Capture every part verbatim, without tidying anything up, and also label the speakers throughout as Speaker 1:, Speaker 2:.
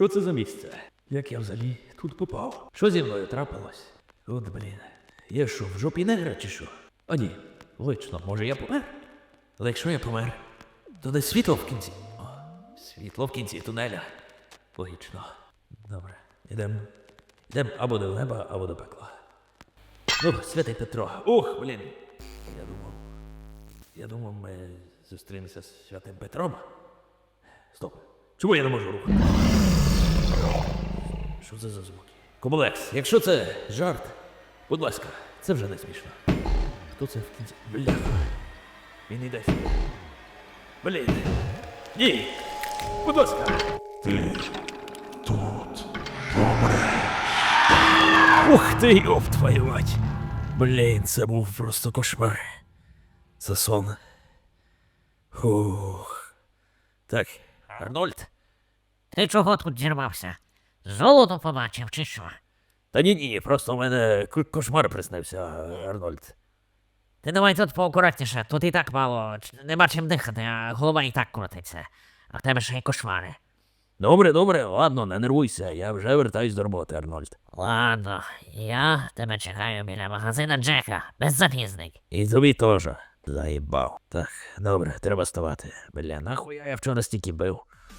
Speaker 1: Що це за місце? Як я взагалі тут попав? Що зі мною трапилось? От, блін. Я що, в жопі негра чи що? А ні, лично, може я помер? Але якщо я помер, то десь світло в кінці. О, світло в кінці тунеля. Логічно. Добре, ідемо. Ідемо або до неба, або до пекла. Ну, святий Петро. Ух, блін. Я думав. Я думав, ми зустрінемося з святим Петром. Стоп. Чому я не можу рухати? Що це за звуки? Комулекс, якщо це жарт, будь ласка, це вже не смішно. Хто це в кінці? Бляха. Він іде сюди. Блін. Ні. Будь ласка.
Speaker 2: Ти тут помреш.
Speaker 1: Ух ти, йоп твою мать. Блін, це був просто кошмар. Це сон. Фух. Так, Арнольд.
Speaker 3: Ти чого тут зірвався? Золото побачив чи що?
Speaker 1: Та ні-ні, просто в мене к- кошмар приснився, Арнольд.
Speaker 3: Ти давай тут поакуратніше, тут і так мало, ч- нема чим дихати, а голова і так крутиться. А в тебе ще й кошмари.
Speaker 1: Добре, добре, ладно, не нервуйся, я вже вертаюсь до роботи, Арнольд.
Speaker 3: Ладно, я тебе чекаю біля магазина Джека, без запізник.
Speaker 1: І тобі теж. Заїбав. Так, добре, треба ставати. Бля, нахуя я вчора стільки бив.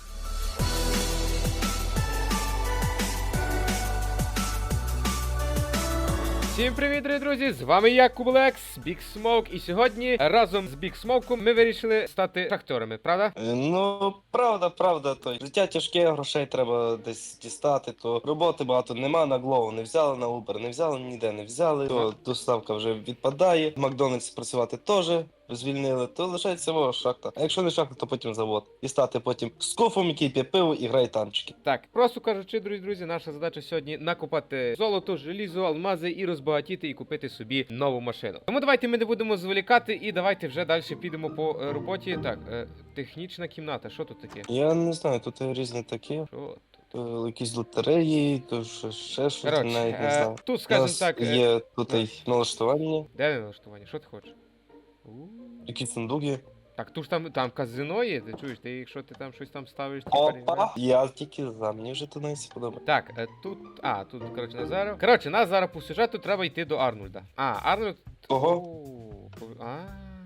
Speaker 4: Всім привіт, дорогі друзі! З вами я, Кублекс, Big Smoke, і сьогодні разом з Big Smoke ми вирішили стати шахтерами, правда?
Speaker 5: Е, Ну, правда, правда, то життя тяжке, грошей треба десь дістати, то роботи багато нема, на Glovo не взяли, на Uber не взяли, ніде не взяли, то доставка вже відпадає, в Макдональдс працювати теж звільнили, то лишається мова шахта. А якщо не шахта, то потім завод. І стати потім з кофом, який п'є пиво і грає танчики.
Speaker 4: Так, просто кажучи, дорогі друзі, наша задача сьогодні накопати золото, желізо, алмази і розбагатіти і купити собі нову машину. Тому давайте ми не будемо зволікати і давайте вже далі підемо по е, роботі. Так, е, технічна кімната, що тут таке?
Speaker 5: Я не знаю, тут різні такі,
Speaker 4: Що тут?
Speaker 5: то якісь лотереї, то ще, ще щось,
Speaker 4: Коротше,
Speaker 5: навіть не
Speaker 4: е,
Speaker 5: знаю.
Speaker 4: тут,
Speaker 5: У
Speaker 4: скажімо
Speaker 5: нас
Speaker 4: так, е,
Speaker 5: є тут
Speaker 4: да.
Speaker 5: і налаштування,
Speaker 4: де налаштування? Що ти хочеш? У.
Speaker 5: якісь сундуки.
Speaker 4: Так, тут ж там, там казино є, ти чуєш, ти якщо ти там щось там ставиш, типа,
Speaker 5: Опа! Я тільки за, мені вже тут не сподобається.
Speaker 4: Так, е, тут. А, тут, коротше, Назаров. Коротше, нас зараз по сюжету треба йти до Арнольда. А, Арнольд.
Speaker 5: Кого?
Speaker 4: О, по- А.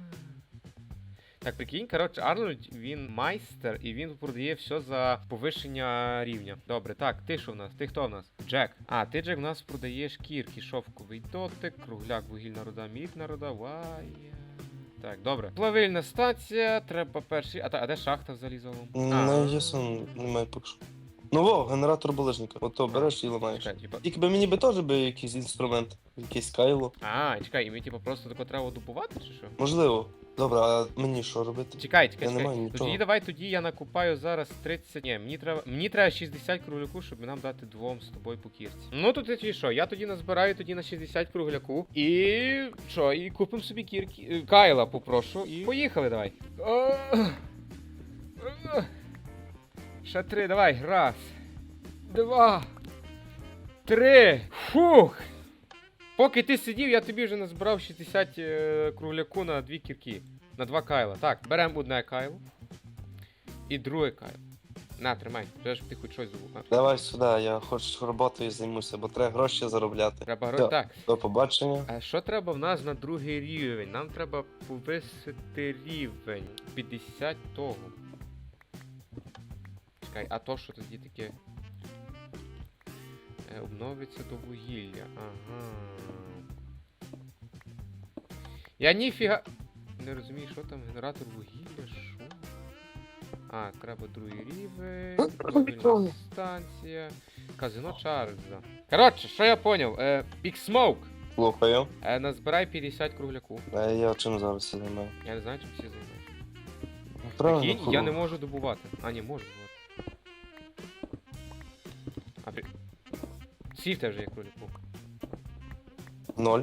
Speaker 4: Так, прикинь, коротше, Арнольд, він майстер і він продає все за повищення рівня. Добре, так, ти що в нас? Ти хто в нас? Джек. А, ти, Джек, в нас продаєш шкірки, шовковий дотик, кругляк, вугільна руда, мідна руда, вай. Так, добре. Плавильна станція, треба перший. А, та, а де шахта в залізовому?
Speaker 5: Не ясно, немає поки що. Ну во, генератор булижника. Ото береш і ламаєш.
Speaker 4: Чекай, типа.
Speaker 5: Тільки би мені би теж би якийсь інструмент, якийсь кайло.
Speaker 4: А, чекай, і ми типу просто тако треба добувати, чи що?
Speaker 5: Можливо. Добре, а мені що робити?
Speaker 4: Чекай, чекай,
Speaker 5: Я не маю
Speaker 4: чекай.
Speaker 5: нічого.
Speaker 4: Тоді давай тоді я накупаю зараз тридцять. Ні, мені треба. Мені треба шістдесят кругляку, щоб нам дати двом з тобою по кірці. Ну тут тоді що? Я тоді назбираю тоді на шістдесят кругляку. І що? І купимо собі кірки. е, Кайла попрошу. І поїхали, давай. О! О! Ще три, давай. Раз. Два. Три. Фух. Поки ти сидів, я тобі вже назбирав шістдесят е, кругляку на дві кірки. На два кайла. Так, беремо одне кайло. І друге кайло. На, тримай, вже ж ти хоч щось забув. На.
Speaker 5: Давай сюди, я хоч роботою займуся, бо треба гроші заробляти.
Speaker 4: Треба гро...
Speaker 5: Да.
Speaker 4: Так.
Speaker 5: До побачення.
Speaker 4: А що треба в нас на другий рівень? Нам треба повисити рівень. п'ятдесят того. Чекай, а то що тоді таке? Е, обновиться до вугілля. Ага. Я ніфіга. Не розумію, що там генератор вугілля, що? А, треба другий рівень. Мобільна станція. Казино Чарльза. Коротше, що я поняв? Е, Big Smoke.
Speaker 5: Слухаю.
Speaker 4: Е, назбирай п'ятдесят кругляку.
Speaker 5: А я чим зараз займаю?
Speaker 4: Я не знаю, чим всі займаються.
Speaker 5: Правильно,
Speaker 4: Прикинь, я не можу добувати. А, ні, можу добувати. А, при... Сів теж є кругляку.
Speaker 5: Ноль.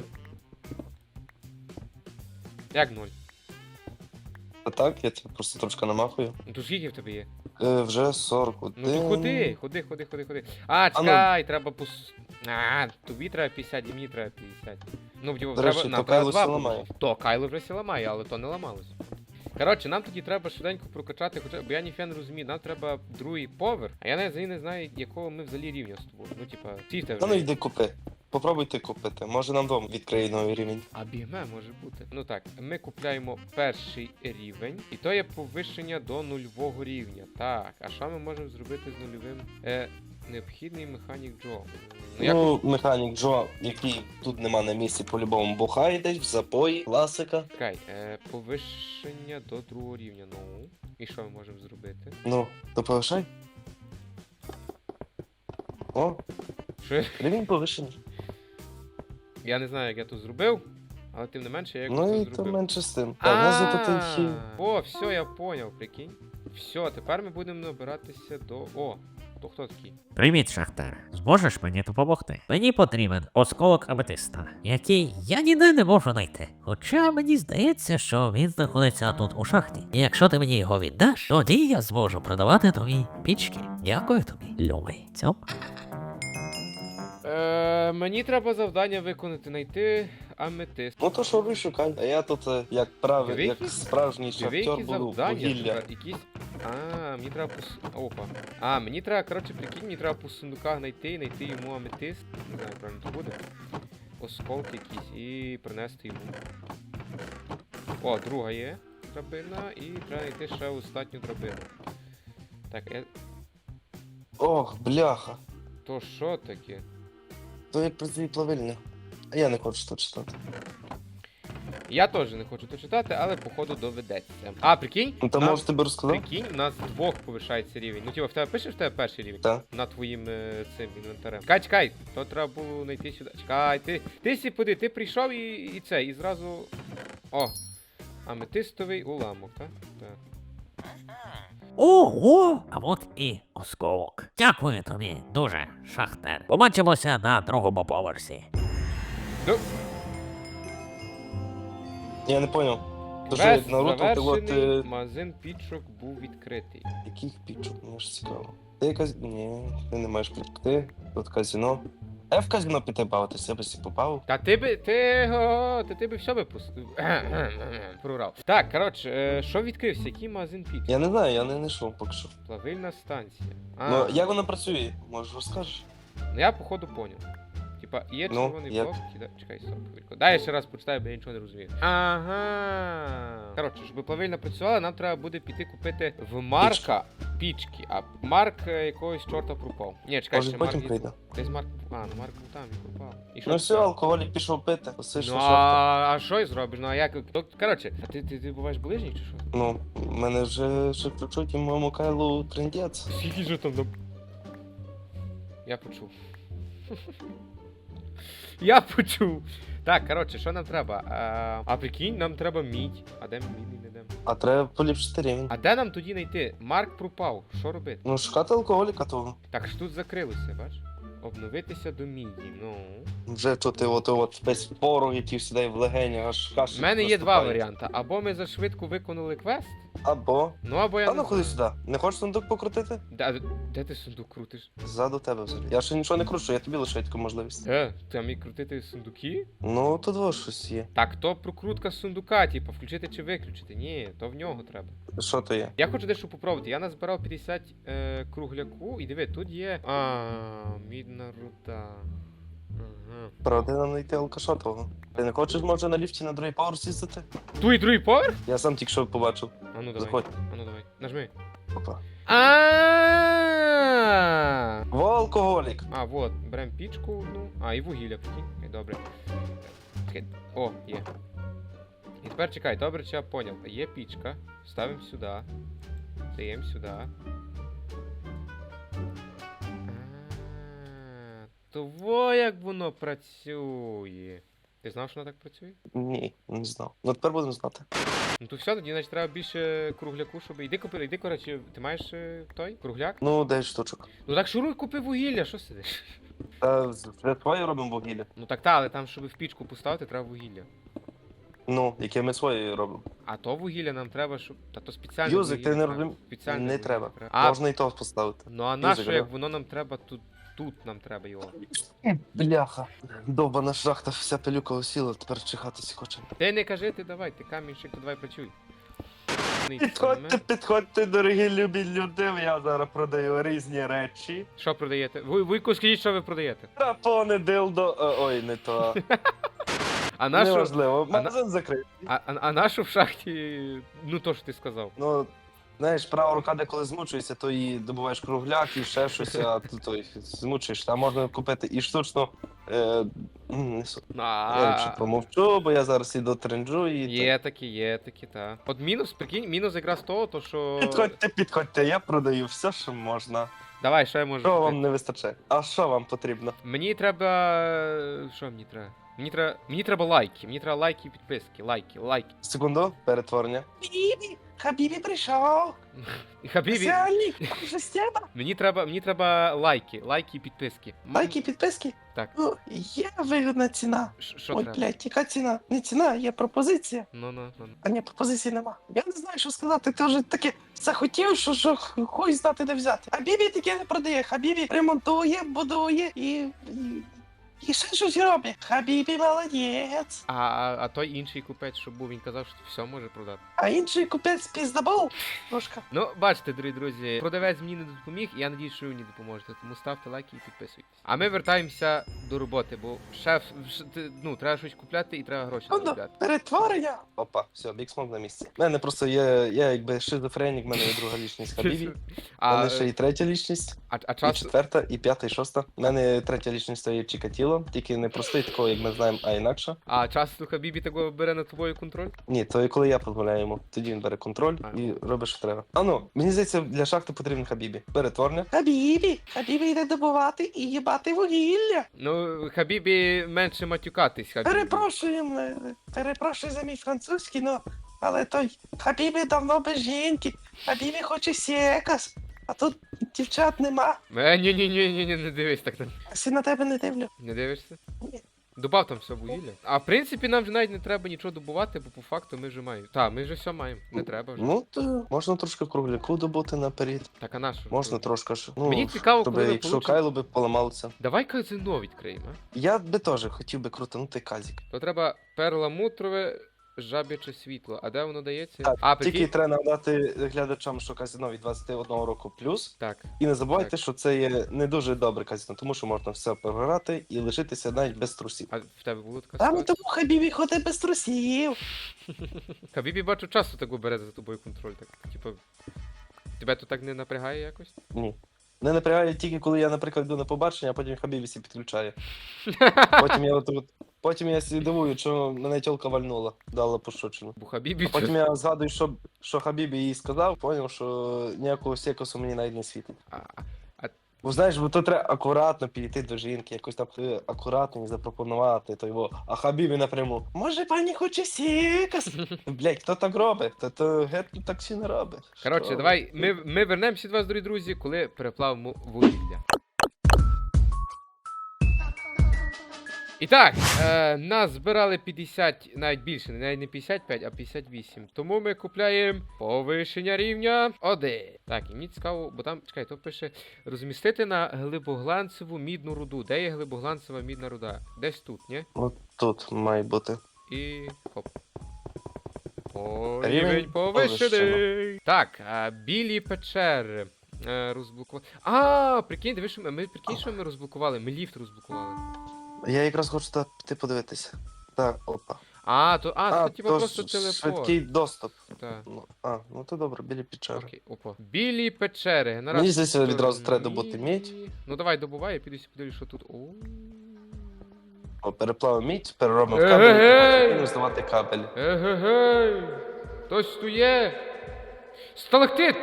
Speaker 4: Як ноль?
Speaker 5: А так, я тебе просто трошки намахую.
Speaker 4: Ну то скільки в тебе є?
Speaker 5: Е, вже сорок один.
Speaker 4: Ну то ходи, ходи, ходи, ходи, ходи. А, чекай, треба пос... А, тобі треба п'ятдесят, і мені треба п'ятдесят. Ну, типу,
Speaker 5: До
Speaker 4: треба,
Speaker 5: речі,
Speaker 4: нам
Speaker 5: то
Speaker 4: треба
Speaker 5: Кайло
Speaker 4: два
Speaker 5: сі
Speaker 4: буде.
Speaker 5: ламає.
Speaker 4: То, Кайло вже сі ламає, але то не ламалось. Коротше, нам тоді треба швиденько прокачати, хоча бо я ніфіга не розумію, нам треба другий поверх, а я навіть взагалі не знаю, якого ми взагалі рівня з тобою. Ну, типа, сісти
Speaker 5: Та ну
Speaker 4: вже.
Speaker 5: йди купи. Попробуйте купити. Може нам дом відкриє новий рівень.
Speaker 4: А бігме може бути. Ну так, ми купляємо перший рівень, і то є повищення до нульового рівня. Так, а що ми можемо зробити з нульовим? Е, необхідний механік Джо. Ну, як...
Speaker 5: Ну, механік Джо, який тут нема на місці, по-любому бухає десь, в запої, класика.
Speaker 4: Чекай, е, повищення до другого рівня. Ну, і що ми можемо зробити?
Speaker 5: Ну, то повишай. О,
Speaker 4: Що я-
Speaker 5: рівень повишений.
Speaker 4: я не знаю, як я тут зробив, але тим не менше, я якось
Speaker 5: Ну
Speaker 4: це
Speaker 5: і то
Speaker 4: зробив.
Speaker 5: менше з тим. Так, нас тут хід.
Speaker 4: О, все, я поняв, прикинь. Все, тепер ми будемо набиратися до. О, то хто такий?
Speaker 3: Привіт, Шахтар. Зможеш мені допомогти? Мені потрібен осколок аметиста, який я ніде не можу знайти. Хоча мені здається, що він знаходиться тут у шахті. І якщо ти мені його віддаш, тоді я зможу продавати тобі пічки. Дякую тобі, любий. Цьоп.
Speaker 4: Е, мені треба завдання виконати, знайти аметист.
Speaker 5: Ну то що ви шукай. А я тут, е, як правий,
Speaker 4: Диви,
Speaker 5: як
Speaker 4: які-
Speaker 5: справжній
Speaker 4: Диви,
Speaker 5: шахтер
Speaker 4: які
Speaker 5: буду
Speaker 4: завдання,
Speaker 5: вугілля.
Speaker 4: тепер якісь. А, мені треба пос... Опа. А, мені треба, коротше, прикинь, мені треба по сундуках знайти, знайти йому аметист. Не знаю, правильно то буде. Осколки якісь і принести йому. О, друга є драбина, і треба знайти ще остатню драбину. Так, я...
Speaker 5: Ох, бляха.
Speaker 4: то що таке?
Speaker 5: То як працює плавильня. А я не хочу тут читати.
Speaker 4: Я теж не хочу то читати, але походу доведеться. А, прикинь?
Speaker 5: Ну там
Speaker 4: нам-
Speaker 5: може тебе розказав?
Speaker 4: Прикинь, у нас двох повишається рівень. Ну, типа, в тебе пише в тебе перший рівень?
Speaker 5: Так.
Speaker 4: На твоїм е, цим інвентарем. Чекай, чекай, то треба було знайти сюди. Чекай, ти. Ти сі поди, ти прийшов і, і це, і зразу. О! Аметистовий уламок, так? Так.
Speaker 3: Ого! А от і осколок. Дякую тобі дуже, Шахтар. Побачимося на другому поверсі.
Speaker 4: Ну,
Speaker 5: Я не поняв. Дуже
Speaker 4: квест
Speaker 5: Наруто пілот
Speaker 4: завершений,
Speaker 5: е,
Speaker 4: магазин пічок був відкритий.
Speaker 5: яких пічок, мені ж цікаво. Ти якась. Ні, ти не маєш прийти. Тут казино. А я в казино піти бавитися, я би сі попав.
Speaker 4: Та ти би. Ти. О, та ти би все би пустив. Прорав. Так, коротше, е, що відкрився? Який магазин пічок?
Speaker 5: Я не знаю, я не знайшов поки що.
Speaker 4: Плавильна станція. А,
Speaker 5: Ну, як вона працює? Може розкажеш?
Speaker 4: ну я походу поняв. Типа, є
Speaker 5: Ну,
Speaker 4: червоний
Speaker 5: як?
Speaker 4: блок, кида... Чекай, стоп, хвильку. Дай я ще раз почитаю, бо я нічого не розумію. Ага. Коротше, щоб плавильно працювала, нам треба буде піти купити в Марка пічки, а Марк е, якогось чорта пропав. Ні, чекай,
Speaker 5: Може
Speaker 4: ще Марк.
Speaker 5: потім
Speaker 4: є-
Speaker 5: прийде.
Speaker 4: Десь Марк. А, ну Марк був там і пропав. І що
Speaker 5: Ну
Speaker 4: ти
Speaker 5: все,
Speaker 4: там?
Speaker 5: алкоголік пішов пити.
Speaker 4: Ну
Speaker 5: Посишно
Speaker 4: а,
Speaker 5: шорти.
Speaker 4: а що й зробиш? Ну а як? То, коротше, а ти, ти, ти буваєш ближній чи що?
Speaker 5: Ну, в мене вже ще включуть і моєму Кайлу трендець.
Speaker 4: Скільки ж там на... Я почув. Я почув. Так, коротше, що нам треба? А, а прикинь, нам треба мідь. А де мідь не йдемо?
Speaker 5: А треба поліпшити рівень.
Speaker 4: А де нам тоді знайти? Марк пропав. Що робити?
Speaker 5: Ну, шукати алкоголіка того.
Speaker 4: Так ж тут закрилося, бач? Обновитися до міді. Ну.
Speaker 5: Вже тут і от, от весь порог, який сідає в легені, аж кашель.
Speaker 4: У мене є два
Speaker 5: наступає.
Speaker 4: варіанти. Або ми зашвидко виконали квест,
Speaker 5: Або.
Speaker 4: ну або я
Speaker 5: Та
Speaker 4: не
Speaker 5: ну ходи
Speaker 4: знаю.
Speaker 5: сюди. Не хочеш сундук покрутити?
Speaker 4: Де, де ти сундук крутиш?
Speaker 5: Ззаду тебе взагалі. Я ще нічого не кручу, я тобі лишаю таку можливість.
Speaker 4: Е, там і крутити сундуки?
Speaker 5: Ну, тут ось щось є.
Speaker 4: Так, то прокрутка сундука, типу, включити чи виключити. Ні, то в нього треба.
Speaker 5: Що то є?
Speaker 4: Я хочу дещо попробувати. Я назбирав п'ятдесят е, кругляку, і диви, тут є. А, мідна руда. Ага.
Speaker 5: Правда, нам знайти алкаша того. Ти не хочеш, може, на ліфті на другий поверх сісти?
Speaker 4: Ту і другий поверх?
Speaker 5: Я сам тільки що побачив.
Speaker 4: А ну давай.
Speaker 5: Заходь.
Speaker 4: А ну давай. Нажми.
Speaker 5: Опа.
Speaker 4: А.
Speaker 5: Во алкоголік.
Speaker 4: А, вот, берем пічку одну. А, і вугілля, прикинь. Окей, добре. Чекай. О, є. І тепер чекай, добре, чи я поняв. Є пічка. Ставимо сюди. Даємо сюди. А, то во як воно працює. Ти знав, що воно так працює?
Speaker 5: Ні, не знав. Ну тепер будемо знати.
Speaker 4: Ну то все, тоді значить треба більше кругляку, щоб. Іди купи, іди, коротше, ти маєш е, той кругляк?
Speaker 5: Ну, дев'ять штучок.
Speaker 4: Ну так шуруй, купи вугілля, що сидиш?
Speaker 5: Та вже твоє робимо вугілля.
Speaker 4: Ну так та, але там, щоб в пічку поставити, треба вугілля.
Speaker 5: Ну, яке ми своє робимо.
Speaker 4: А то вугілля нам треба, щоб. Та то спеціальне.
Speaker 5: Юзик, ти
Speaker 4: вугілля
Speaker 5: не
Speaker 4: треба.
Speaker 5: розумієш?
Speaker 4: Спеціальне
Speaker 5: Не
Speaker 4: вугілля
Speaker 5: треба.
Speaker 4: А,
Speaker 5: Можна і то поставити.
Speaker 4: ну а нащо,
Speaker 5: Юзик,
Speaker 4: як
Speaker 5: да?
Speaker 4: воно нам треба тут. Тут нам треба його.
Speaker 5: Бляха. Довбана шахта, вся пилюка осіла, тепер чихатися хоче.
Speaker 4: Ти не кажи, ти давай, ти камінщик, то давай працюй.
Speaker 5: Підходьте, підходьте, дорогі любі люди, я зараз продаю різні речі.
Speaker 4: Що продаєте? Ви, Вуйку, скажіть, що ви продаєте?
Speaker 5: Рапони, дилдо, е, ой, не то.
Speaker 4: А нашу,
Speaker 5: Неважливо,
Speaker 4: а на-
Speaker 5: магазин закритий.
Speaker 4: а, а, а нашу в шахті, ну то, що ти сказав.
Speaker 5: Ну, знаєш, права рука деколи змучується, то і добуваєш кругляк, і ще щось, а тут той змучуєш. Там можна купити і штучно. Е, м, не су- я ліпше
Speaker 4: А,
Speaker 5: помовчу, бо я зараз іду тренджу і.
Speaker 4: є такі, є такі, та. От мінус, прикинь, мінус якраз того, то що...
Speaker 5: Підходьте, підходьте, я продаю все, що можна.
Speaker 4: Давай, що я можу
Speaker 5: Що
Speaker 4: купити?
Speaker 5: вам не вистачає? А що вам потрібно?
Speaker 4: Мені треба. Що мені треба? Мені треба. Мені треба лайки. Мені треба лайки і підписки. Лайки, лайки.
Speaker 5: Секунду, перетворення. Бібі, Хабібі прийшов.
Speaker 4: І Хабібі,
Speaker 5: Сяні, вже стіна.
Speaker 4: мені треба, мені треба лайки, лайки і підписки. М,
Speaker 5: Лайки, підписки?
Speaker 4: Так.
Speaker 5: Ну, є вигідна ціна.
Speaker 4: Ш- Що
Speaker 5: Ой,
Speaker 4: треба?
Speaker 5: блядь, яка ціна? Не ціна, є пропозиція.
Speaker 4: Ну, ну, ну. ну.
Speaker 5: А ні, пропозиції нема. Я не знаю, що сказати. Ти вже таке захотів, що, що хуй знати де взяти. А Бібі таке не продає. Хабібі ремонтує, будує і. і... І ще щось робить. Хабібі молодець.
Speaker 4: А, а, а той інший купець, що був, він казав, що все може продати.
Speaker 5: А інший купець піздабол. Трошка.
Speaker 4: Ну, бачите, дорогі друзі, продавець мені не допоміг, і я надіюсь, що ви мені допоможете. Тому ставте лайки і підписуйтесь. А ми вертаємося до роботи, бо шеф, ш- ти- ну, треба щось купляти і треба гроші
Speaker 5: Ну,
Speaker 4: заробляти.
Speaker 5: перетворення. Опа, все, біксмок на місці. У мене просто є, я якби шизофренік, в мене є друга лічність Хабібі. У
Speaker 4: А,
Speaker 5: мене ще і третя лічність,
Speaker 4: а, а
Speaker 5: і
Speaker 4: час...
Speaker 5: четверта, і п'ята, і шоста. У мене третя лічність то є Чікатіло, тільки не простий такого, як ми знаємо, а інакше.
Speaker 4: А часто Хабібі такого бере на тобою контроль?
Speaker 5: Ні, то і коли я дозволяю йому, тоді він бере контроль
Speaker 4: А.
Speaker 5: і робить, що треба. А ну, мені здається, для шахти потрібен Хабібі. Перетворення. Хабібі! Хабібі йде добувати і їбати вугілля.
Speaker 4: Ну, Хабібі менше матюкатись, Хабібі.
Speaker 5: Перепрошуємо, е, перепрошую за мій французький, но але той Хабібі давно без жінки. Хабібі хоче секас. А тут дівчат нема.
Speaker 4: Е, ні, ні, ні, ні, ні, не дивись так на.
Speaker 5: Всі на тебе не дивлю.
Speaker 4: Не дивишся?
Speaker 5: Ні.
Speaker 4: Добав там все вугілля. А в принципі нам вже навіть не треба нічого добувати, бо по факту ми вже маємо. Так, ми вже все маємо. Не треба вже.
Speaker 5: Ну, то можна трошки кругляку добути наперед.
Speaker 4: Так, а на що?
Speaker 5: Можна трошки ж. Ну,
Speaker 4: Мені цікаво,
Speaker 5: щоб
Speaker 4: коли ми
Speaker 5: якщо
Speaker 4: получимо-
Speaker 5: Кайло би поламалося.
Speaker 4: Давай казино відкриємо, а?
Speaker 5: Я би теж хотів би крутанути казік.
Speaker 4: То треба перламутрове жабяче світло. А де воно дається?
Speaker 5: Так,
Speaker 4: а,
Speaker 5: Тільки
Speaker 4: прикинь?
Speaker 5: треба нагадати глядачам, що казино від двадцяти одного року плюс.
Speaker 4: Так.
Speaker 5: І не забувайте,
Speaker 4: Так.
Speaker 5: що це є не дуже добре казино, тому що можна все програти і лишитися навіть без трусів.
Speaker 4: А в тебе було така
Speaker 5: Там
Speaker 4: ситуація?
Speaker 5: тому Хабібі ходить без трусів.
Speaker 4: Хабібі бачу часто так бере за тобою контроль. Так, типу. Тебе то так не напрягає якось?
Speaker 5: Ні. Не напрягає тільки коли я, наприклад, йду на побачення, а потім Хабібі сі підключає. Потім я от, от потім я сі дивую, що мене тьолка вальнула, дала пошучину.
Speaker 4: Бо Хабібі.
Speaker 5: Потім я згадую, що, що Хабібі їй сказав, поняв, що ніякого секусу мені навіть не світить.
Speaker 4: А,
Speaker 5: Бо знаєш, бо то треба акуратно підійти до жінки, якось там е, акуратно їй запропонувати, то його. А Хабібі напряму. Може, пані хоче секас? Блять, хто так робить? Та то геть так всі не робить.
Speaker 4: Коротше,
Speaker 5: Що
Speaker 4: давай,
Speaker 5: ви?
Speaker 4: ми, ми вернемося до вас, дорогі друзі, коли переплавимо вугілля. І так, е, нас збирали п'ятдесят, навіть більше, навіть не п'ятдесят п'ять, а п'ятдесят вісім. Тому ми купляємо повищення рівня один. Так, і мені цікаво, бо там, чекай, то пише розмістити на глибогланцеву мідну руду. Де є глибогланцева мідна руда? Десь тут, ні?
Speaker 5: От тут має бути.
Speaker 4: І хоп. О,
Speaker 5: Рівень
Speaker 4: рівень повищений. Так, а, білі печери. Е, розблокували. А, прикинь, дивись, що ми, ми прикинь, що ми розблокували. Ми ліфт розблокували.
Speaker 5: Я якраз хочу туди піти подивитися. Так, опа.
Speaker 4: А, то, а,
Speaker 5: А,
Speaker 4: то типа
Speaker 5: то
Speaker 4: просто
Speaker 5: ж
Speaker 4: телепорт.
Speaker 5: швидкий доступ.
Speaker 4: Так.
Speaker 5: Ну, а, ну то добре, білі печери.
Speaker 4: Окей, опа. Білі печери. Генератор.
Speaker 5: Мені здається, відразу треба добути мідь.
Speaker 4: Ну давай добувай, я піду подивлюсь, що тут. О.
Speaker 5: О, переплавимо мідь, переробимо в
Speaker 4: Ей-ей-ей!
Speaker 5: кабель і здавати кабель.
Speaker 4: Егегей! Хтось тут є? Сталактит!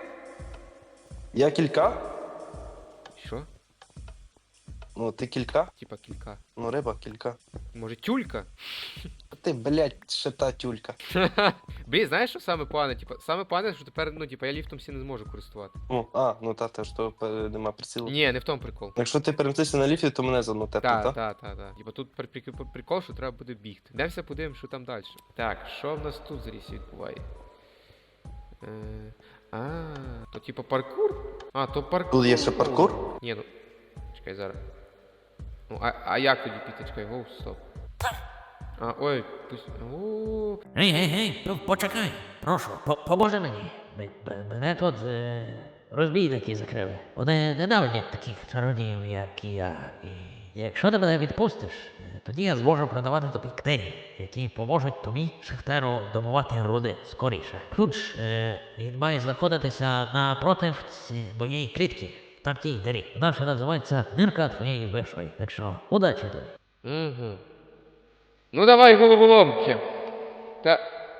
Speaker 5: Я кілька?
Speaker 4: Що?
Speaker 5: Ну, ти кілька?
Speaker 4: Типа кілька.
Speaker 5: Ну, риба, кілька.
Speaker 4: Може тюлька?
Speaker 5: А ти, блядь, ще та тюлька.
Speaker 4: Блін, знаєш, що саме погане? Типа, саме погане, що тепер, ну, типа, я ліфтом всі не зможу користувати.
Speaker 5: Ну, а, ну та, те, що е, нема прицілу.
Speaker 4: Ні, не в тому прикол.
Speaker 5: Якщо ти перемістишся на ліфті, то мене заодно тепло,
Speaker 4: Так,
Speaker 5: так?
Speaker 4: так, так, так. Типа тут при- при- прикол, що треба буде бігти. Йдемося подивимось, що там далі. Так, що в нас тут зараз відбуває? Е, а, то типа паркур? А, то паркур.
Speaker 5: Тут є ще паркур?
Speaker 4: Ні, ну. Чекай зараз. Ну, а, а як тоді піти? Чекай, гоу, стоп. А, ой, пусть. О,
Speaker 3: Гей, гей, гей, п- почекай, прошу, по- поможи мені. М- м- Мене тут е, розбійники закрили. Вони ненавидять таких чародіїв, як і я. І якщо ти мене відпустиш, е, тоді я зможу продавати тобі книги, які поможуть тобі, шахтеру, домувати руди скоріше. Ключ, е, він має знаходитися напротив ці- моєї клітки. Там тій дирі. Вона ще називається нирка твоєї вишої. Так що, удачі тобі.
Speaker 4: угу. Ну давай, головоломки. Та.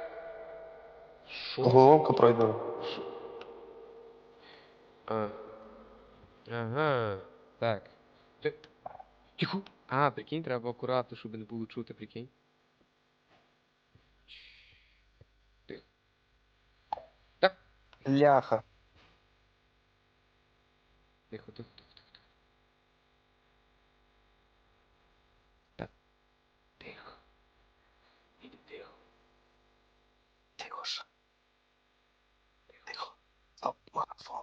Speaker 4: Що?
Speaker 5: Головка пройдена.
Speaker 4: А. Ага. Так. Ти... Тихо. А, прикинь, треба акуратно, щоб не було чути, прикинь. Тихо. Так.
Speaker 5: Ляха.
Speaker 4: Тихо, тихо, тихо, тихо. Тихо. Так. Тихо. Іди тихо.
Speaker 5: Тихо ж. Тихо. Стоп, марафон.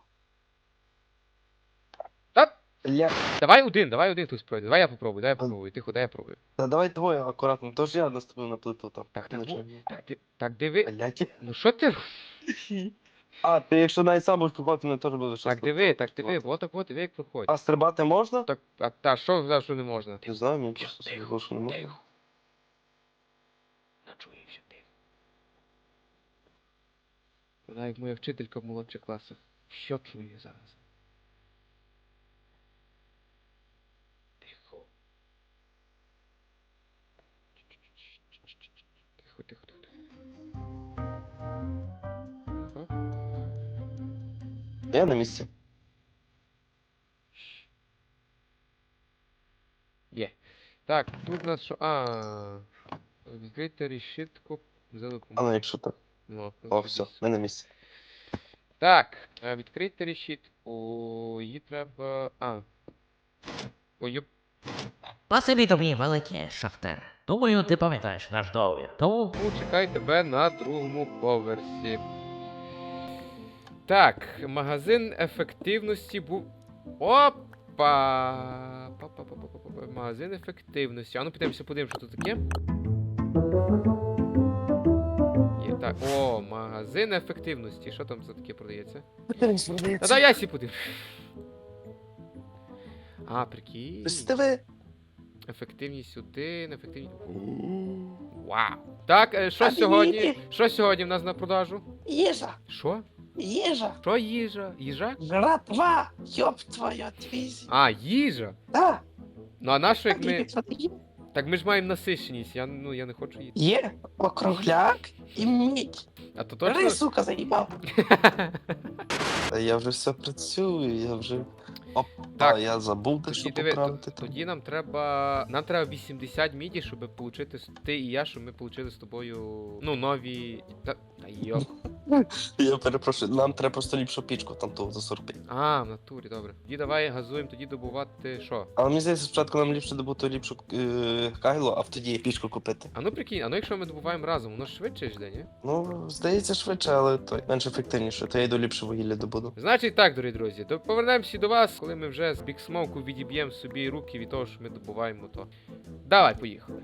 Speaker 4: Та.
Speaker 5: Ля...
Speaker 4: Давай один, давай один хтось пройде. Давай я попробую, дай я попробую. Тихо, дай я пробую.
Speaker 5: Та давай двоє акуратно, тож я наступив на плиту там.
Speaker 4: Так, так,
Speaker 5: Ну,
Speaker 4: во-
Speaker 5: чого?
Speaker 4: так, ти- так диви.
Speaker 5: Блядь.
Speaker 4: Ну що ти робиш?
Speaker 5: А, ти якщо навіть сам будеш купувати, мене теж буде щось.
Speaker 4: Так диви, так диви, вот так от, диви, як проходить.
Speaker 5: А стрибати можна?
Speaker 4: Так, а та що за що не можна?
Speaker 5: Не знаю, мені просто сказав, що не можна.
Speaker 4: Тихо. Начуєшся, тихо. Вона як моя вчителька в молодших класах. Що чує зараз? Тихо. Тихо, тихо, тихо. Тихо.
Speaker 5: Я на місці.
Speaker 4: Є. Так, тут у нас що. А. Відкрити решітку. Взяли
Speaker 5: А ну якщо так.
Speaker 4: Ну,
Speaker 5: О, все, ми на місці.
Speaker 4: Так, е, відкрити решітку. Її треба. А. Ой, йоп.
Speaker 3: Спасибі тобі, великий шахтер. Думаю, ти пам'ятаєш наш договір. Тому
Speaker 4: Чекай тебе на другому поверсі. Так, магазин ефективності був. Опа! Па-па-па-па-па-па. Магазин ефективності. А ну підемося, подивимося, що тут таке. Є, так. О, магазин ефективності. Що там за таке продається? Та дай я сі подивлюсь. А, прикинь.
Speaker 5: Диви.
Speaker 4: Ефективність один, ефективність. Вау. Так, е, що сьогодні? Що сьогодні в нас на продажу?
Speaker 6: Їжа,
Speaker 4: Що?
Speaker 6: їжа,
Speaker 4: Що їжа? Їжа?
Speaker 6: жратва, ёб твою твізь.
Speaker 4: А, їжа?
Speaker 6: Да,
Speaker 4: Ну а на що як ми.
Speaker 6: так, є,
Speaker 4: Так ми ж маємо насиченість, я ну я не хочу їсти.
Speaker 6: є округляк і мідь.
Speaker 4: А то
Speaker 6: Бери,
Speaker 4: точно.
Speaker 6: сука, заїбав.
Speaker 5: Та я вже все працюю, я вже. Опа,
Speaker 4: Так,
Speaker 5: я забув те,
Speaker 4: Тоді,
Speaker 5: що
Speaker 4: диви,
Speaker 5: поправити
Speaker 4: то-
Speaker 5: там.
Speaker 4: тоді нам треба. Нам треба вісімдесят міді, щоб отримати ти і я, щоб ми отримали з тобою. Ну, нові. Та, та йоп.
Speaker 5: Я перепрошую, нам треба просто ліпшу пічку там того за сорок п'ять.
Speaker 4: А, в натурі, добре. Тоді давай газуємо, тоді добувати що?
Speaker 5: Але мені здається, спочатку нам ліпше добути ліпшу е, кайло, а тоді пічку купити.
Speaker 4: А ну прикинь, а ну якщо ми добуваємо разом, воно ж швидше йде, ні?
Speaker 5: Ну, здається, швидше, але той менш ефективніше, то я йду ліпше вугілля добуду.
Speaker 4: Значить так, дорогі друзі, то повернемося до вас, коли ми вже з Big Smoke відіб'ємо собі руки від того, що ми добуваємо то. Давай, поїхали.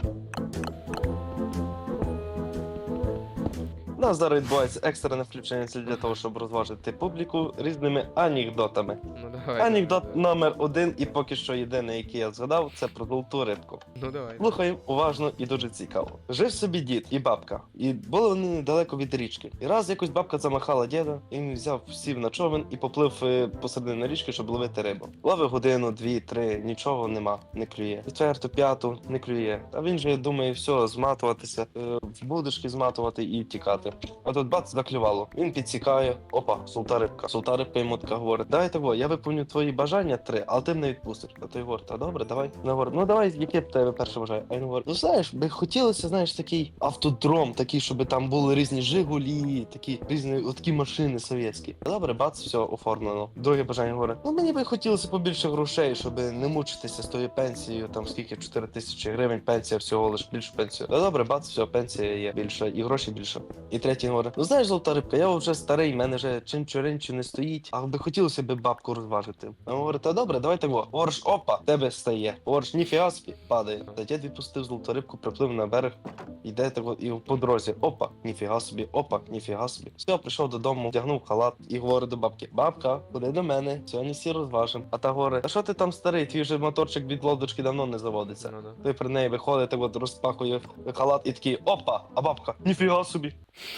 Speaker 5: У нас зараз відбувається екстрене включення для того, щоб розважити публіку різними анекдотами.
Speaker 4: Ну давай.
Speaker 5: Анекдот
Speaker 4: давай,
Speaker 5: номер один, і поки що єдиний, який я згадав, це про золоту рибку.
Speaker 4: Ну давай.
Speaker 5: Слухаємо уважно і дуже цікаво. Жив собі дід і бабка, і були вони недалеко від річки. І раз якось бабка замахала діда, і він взяв, сів на човен і поплив е, посередині річки, щоб ловити рибу. Ловив годину, дві, три, нічого нема, не клює. Четверту, п'яту, не клює. А він же думає, все, зматуватися, е, в будочки зматувати і тікати. А тут бац, заклювало. Він підсікає. Опа, золота рибка. Золота рибка йому така говорить: давай того, я виповню твої бажання три, але ти мене відпустиш. А той говорить: та добре, давай. Вона говорить: ну давай, яке б тебе перше бажання? А він говорить: ну знаєш, би хотілося, знаєш, такий автодром, такий, щоб там були різні Жигулі, такі різні от такі машини совєтські. Добре, бац, все оформлено. Друге бажання говорить: ну мені би хотілося побільше грошей, щоб не мучитися з тою пенсією, там скільки чотири тисячі гривень, пенсія всього лиш більшу пенсію. Та добре, бац, все, пенсія є більша, і гроші більше. І І третій говорить, ну знаєш, золота рибка, я вже старий, в мене вже чинчу-ринчу не стоїть, а би хотілося б бабку розважити. А він говорить, та добре, давай так. Говориш, опа, в тебе стає. Говориш, ніфіга собі, падає. Та дід відпустив золоту рибку, приплив на берег, йде так от, і по дорозі, опа, ніфіга собі, опа, ніфіга собі. Все, прийшов додому, вдягнув халат і говорить до бабки, бабка, ходи до мене, сьогодні всі розважимо. А та говорить, а що ти там старий, твій вже моторчик від лодочки давно не заводиться.
Speaker 4: Ну, да.
Speaker 5: Той при неї виходить, так от розпахує халат і такий, опа, а бабка, ніфіга собі.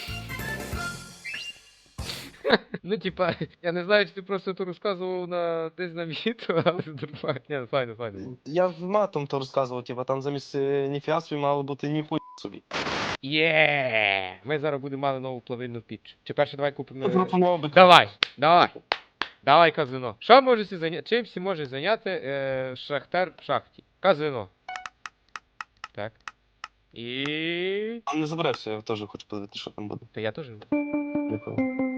Speaker 4: Ну, типа, я не знаю, чи ти просто то розказував на десь на відео, але нормально. Ні, файно, файно.
Speaker 5: Я в матом то розказував, типа там замість е, ніфіга собі мало бути ніхуй собі.
Speaker 4: Є! Ми зараз будемо мати нову плавильну піч. Чи перше давай купимо.
Speaker 5: Пропонував би.
Speaker 4: Давай, давай. Давай казино. Що може всі зайняти? Чим всі може зайняти е, шахтар в шахті? Казино. Так. І.
Speaker 5: Не заберешся, я теж хочу подивитися, що там буде.
Speaker 4: Та я теж.
Speaker 5: Дякую.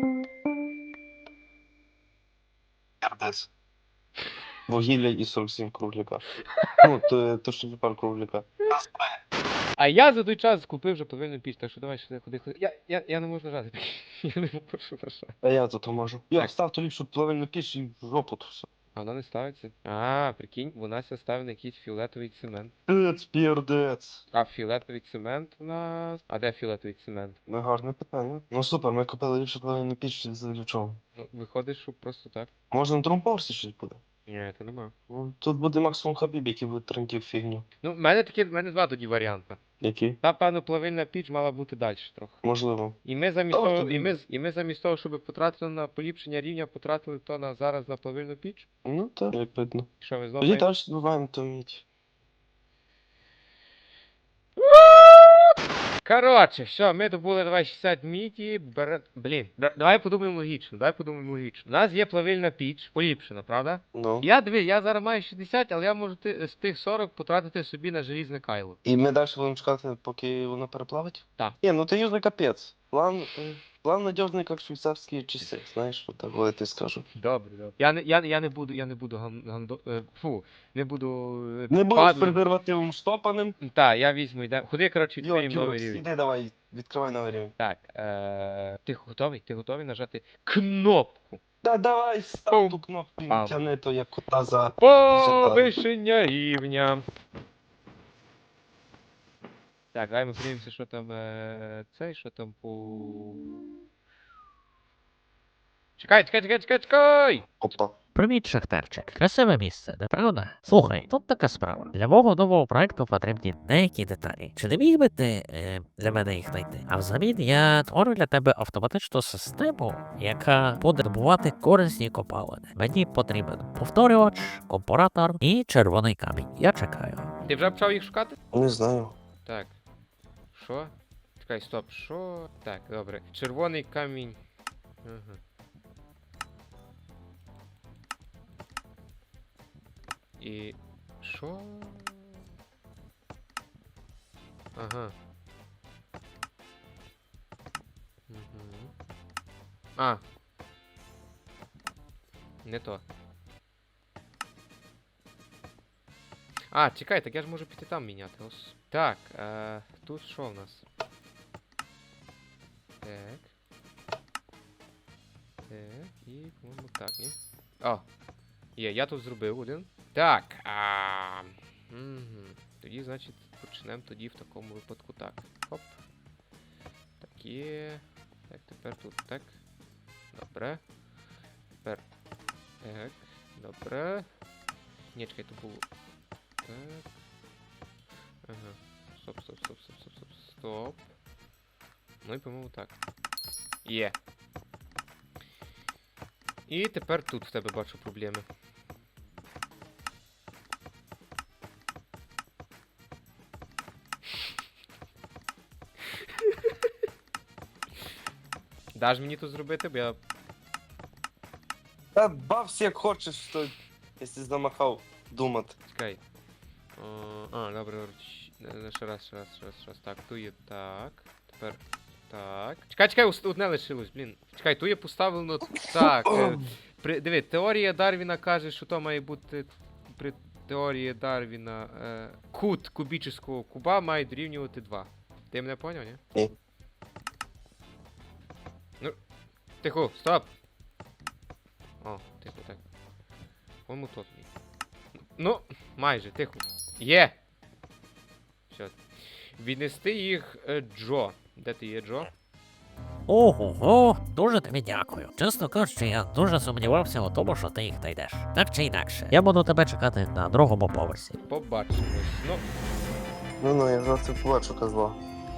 Speaker 5: Ярдес. Вугілля і сорок сім кругляка. Ну, то, то що пар кругляка.
Speaker 4: А я за той час купив вже плавильну піч, так що давай сюди ходи, ходи. Я, я, я не можу нажати. Я не можу нажати.
Speaker 5: А я тут можу. Я
Speaker 4: Так.
Speaker 5: став то ліпшу плавильну піч і в жопу то все.
Speaker 4: А вона не ставиться. А, прикинь, вона ся ставить на якийсь фіолетовий цемент.
Speaker 5: Пірдець, пірдець.
Speaker 4: А фіолетовий цемент у нас. А де фіолетовий цемент?
Speaker 5: Ну, гарне питання. Ну супер, ми купили ліпшу плавильну піч для чого.
Speaker 4: Ну, виходить, що просто так.
Speaker 5: Може на другому поверсі щось буде?
Speaker 4: Ні, це нема.
Speaker 5: Ну, тут буде максимум хабіб, який буде трендів фігню.
Speaker 4: Ну, в мене такі, в мене два тоді варіанти.
Speaker 5: Які?
Speaker 4: Та, певно, плавильна піч мала бути далі трохи.
Speaker 5: Можливо.
Speaker 4: І ми замість
Speaker 5: Та,
Speaker 4: того,
Speaker 5: тобі-
Speaker 4: і ми, з- і ми замість того, щоб потратили на поліпшення рівня, потратили то на зараз на плавильну піч.
Speaker 5: Ну так, як видно.
Speaker 4: Що ми знову.
Speaker 5: Тоді далі добуваємо то мідь.
Speaker 4: Коротше, все, ми добули давай шістдесят міді, бере... Блін, да- давай подумаємо логічно, давай подумаємо логічно. У нас є плавильна піч, поліпшена, правда?
Speaker 5: Ну.
Speaker 4: Я диви, я зараз маю шістдесят, але я можу ти, з тих сорок потратити собі на желізне кайло.
Speaker 5: І ми далі будемо чекати, поки воно переплавить?
Speaker 4: Так.
Speaker 5: Ні, ну ти юзний капець. План, е, план надіжний, як швейцарські часи. Знаєш, от так от я скажу.
Speaker 4: Добре, добре. Я не, я, я не буду, я не буду ган, гандо, е, фу, не буду... е,
Speaker 5: Не будь
Speaker 4: падлом.
Speaker 5: з презервативом штопаним.
Speaker 4: Так, я візьму, йде. Ходи, коротше,
Speaker 5: Йо,
Speaker 4: відкриємо новий
Speaker 5: Юрос,
Speaker 4: рівень.
Speaker 5: іди давай, відкривай новий рівень.
Speaker 4: Так, е... ти готовий? Ти готовий нажати кнопку?
Speaker 5: Да давай, став
Speaker 4: Пум.
Speaker 5: ту кнопку,
Speaker 4: Пам.
Speaker 5: тяни то як кота за...
Speaker 4: Повишення рівня. Так, давай ми подивимося, що там е... цей, що там по... Чекай, чекай, чекай, чекай, чекай!
Speaker 5: Опа.
Speaker 3: Привіт, шахтерчик. Красиве місце, не правда? Слухай, тут така справа. Для мого нового проекту потрібні деякі деталі. Чи не міг би ти е, для мене їх знайти? А взамін я творю для тебе автоматичну систему, яка буде добувати корисні копалини. Мені потрібен повторювач, компоратор і червоний камінь. Я чекаю.
Speaker 4: Ти вже почав їх шукати?
Speaker 5: Не знаю.
Speaker 4: Так. Що? Чекай, стоп, що? Так, добре. Червоний камінь. Ага. І. Що? Ага. Угу. А. Не то. А, чекай, так я ж можу піти там міняти. Ос. Так, е, тут що в нас? Так. Так, і, по-моєму, так, ні? О! Є, я тут зробив один. Так, а... Угу. Тоді, значить, почнемо тоді в такому випадку так. Хоп. Так, є. Так, тепер тут так. Добре. Тепер. Так. Добре. Ні, чекай, то було. Так. Ага. Стоп, стоп, стоп, стоп, стоп, стоп, стоп. Ну і, по-моєму, так. Є. І тепер тут в тебе бачу проблеми. Даш мені тут зробити, бо я...
Speaker 5: Та бався як хочеш, то якщо замахав думати.
Speaker 4: Чекай. О, а, добре, добре. Щ- е, Ще раз, ще раз, ще раз, ще раз. Так, ту є так. Тепер так. Чекай, чекай, ус- одне лишилось, блін. Чекай, ту є поставлено так. Е, при, диви, теорія Дарвіна каже, що то має бути при теорії Дарвіна е, кут кубічного куба має дорівнювати два. Ти мене поняв, ні?
Speaker 5: Ні.
Speaker 4: Тихо, стоп! О, тихо, так. По-моєму, тут мій. Ну, майже, тихо. Є! Все. Віднести їх е, Джо. Де ти є, Джо?
Speaker 3: Ого, дуже тобі дякую. Чесно кажучи, я дуже сумнівався у тому, що ти їх знайдеш. Так чи інакше, я буду тебе чекати на другому поверсі.
Speaker 4: Побачимось. Ну,
Speaker 5: Ну ну, я завтра побачу козла.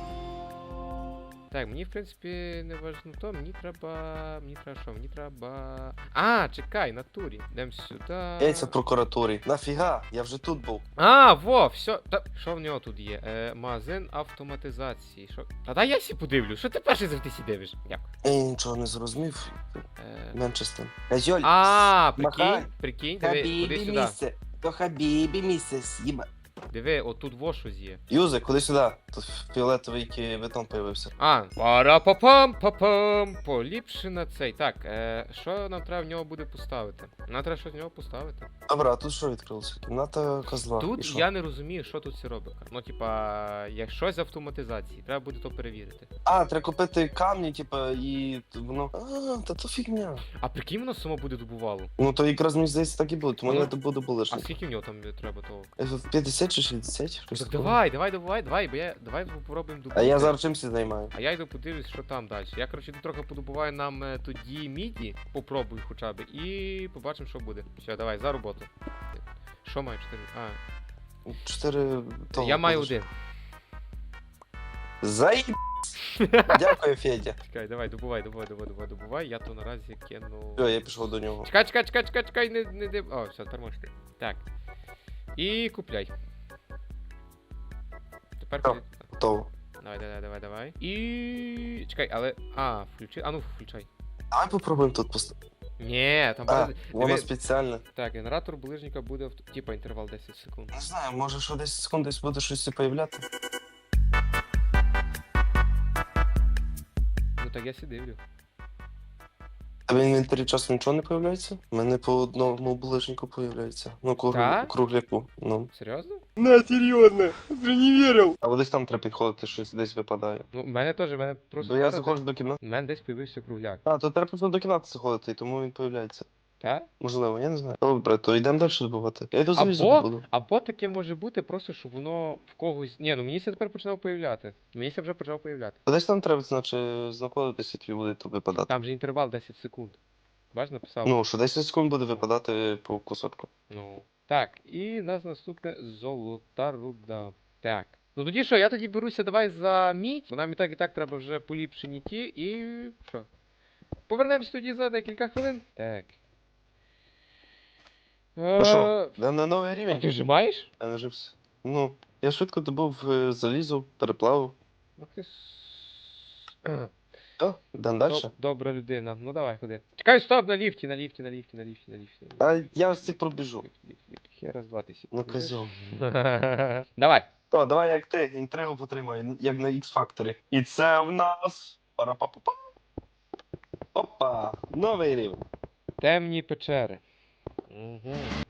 Speaker 4: так, мені в принципі не важно то, мені треба. Мені треба що? Мені треба. А, чекай, натурі. Йдем сюди.
Speaker 5: Яйця в прокуратурі. Нафіга? Я вже тут був.
Speaker 4: А, во, все. Та що в нього тут є? Е, магазин автоматизації. Що? Та дай я сі подивлю. Що ти перший завжди сі дивиш? Дякую.
Speaker 5: Я нічого не зрозумів.
Speaker 4: Е...
Speaker 5: Менше з тим. Козьоль,
Speaker 4: А,
Speaker 5: Махай.
Speaker 4: прикинь, прикинь, диви, куди
Speaker 5: Хабібі
Speaker 4: сюди.
Speaker 5: місце. То Хабібі місце, с'їба.
Speaker 4: Диви, отут во щось є.
Speaker 5: Юзе, куди сюди? Тут фіолетовий ківітон появився.
Speaker 4: А, пара-па-пам, па-пам, поліпшена цей. Так, е, що нам треба в нього буде поставити? Нам треба щось в нього поставити.
Speaker 5: Добре, а тут що відкрилося? Кімната козла. І
Speaker 4: Тут
Speaker 5: що?
Speaker 4: я не розумію, що тут все робить. Ну, типа, як щось з автоматизації, треба буде то перевірити.
Speaker 5: А, треба купити камні, типа, і воно. А, та то фігня.
Speaker 4: А прикинь, воно само буде добувало.
Speaker 5: Ну то якраз мені здається так і буде, тому
Speaker 4: Ну,
Speaker 5: я добуду
Speaker 4: А
Speaker 5: булишник.
Speaker 4: скільки в нього там треба того?
Speaker 5: п'ятдесят чи шістдесят? Щось
Speaker 4: Так
Speaker 5: такого.
Speaker 4: давай, давай, давай, давай, бо я давай попробуємо добути.
Speaker 5: А я зараз чимся займаю.
Speaker 4: А я йду подивлюсь, що там далі. Я, коротше, йду трохи подобуваю нам е, тоді міді, попробую хоча б, і побачимо, що буде. Все, давай, за роботу. Що маю? Чотири. А,
Speaker 5: Чотири того.
Speaker 4: я маю
Speaker 5: будеш.
Speaker 4: один.
Speaker 5: Заїб... Дякую, Федя.
Speaker 4: Чекай, давай, добувай, добувай, добувай, добувай, добувай. Я то наразі кину.
Speaker 5: Все, я пішов до нього.
Speaker 4: Чекай, чекай, чекай, чекай, чекай, не, не, не. О, все, тепер можеш ти. Так. І купляй. Тепер
Speaker 5: Так.
Speaker 4: ходи.
Speaker 5: Готово.
Speaker 4: Давай, давай, давай, давай. І. Чекай, але. А, включи. А ну включай.
Speaker 5: Давай попробуємо тут поставити.
Speaker 4: Ні, там
Speaker 5: А,
Speaker 4: буде.
Speaker 5: воно
Speaker 4: диви-
Speaker 5: спеціальне.
Speaker 4: Так, генератор ближника буде в типа інтервал десять секунд.
Speaker 5: Не знаю, може що десь секунд десь буде щось появляти.
Speaker 4: Ну так я сі дивлю.
Speaker 5: А в інвентарі часом нічого не появляється? У мене по одному булишнику появляється. Ну, круг...
Speaker 4: Так?
Speaker 5: кругляку. Ну.
Speaker 4: Серйозно?
Speaker 5: На, серйозно, вже не вірив. А десь там треба підходити, щось десь випадає.
Speaker 4: Ну, в мене теж, в мене просто.
Speaker 5: Бо я
Speaker 4: зараз
Speaker 5: заходжу до кімнати.
Speaker 4: десь- В мене десь появився кругляк.
Speaker 5: А, то треба просто до кімнати заходити, і тому він появляється.
Speaker 4: Так?
Speaker 5: Можливо, я не знаю. Добре, то йдемо далі добувати. Я йду залізу
Speaker 4: Або,
Speaker 5: буду.
Speaker 4: або таке може бути просто, щоб воно в когось. Ні, ну мені ся тепер починав появляти. Мені ся вже почав появляти.
Speaker 5: А десь там треба, значить, знаходитися, тобі буде то випадати.
Speaker 4: Там же інтервал десять секунд. Бач, написав.
Speaker 5: Ну, що десять секунд буде випадати по кусочку.
Speaker 4: Ну. Так, і у нас наступне золота руда. Так. Ну тоді що, я тоді беруся давай за мідь, бо нам і так і так треба вже поліпшені ті, і що? Повернемось тоді за декілька хвилин. Так.
Speaker 5: Ну що,
Speaker 4: Е,
Speaker 5: йдемо на новий
Speaker 4: А
Speaker 5: рівень?
Speaker 4: ти вже маєш?
Speaker 5: Я не жився. Ну, я швидко добув е, залізо, переплавив.
Speaker 4: Ах ти с- Е,
Speaker 5: Все, йдемо далі.
Speaker 4: доб- Добра людина. Ну давай, ходи. Чекай, стоп, на ліфті, на ліфті, на ліфті, на ліфті, на ліфті. на ліфті.
Speaker 5: А я ось цих пробіжу.
Speaker 4: Ліфт, ліфт, ліфт. Ще раз два тисячі.
Speaker 5: Ну, козьол.
Speaker 4: Давай.
Speaker 5: То, давай як ти, інтригу потримай, як на X-Factor. І це в нас. Пара-па-па-па. Опа! Новий рівень.
Speaker 4: Темні печери. Угу.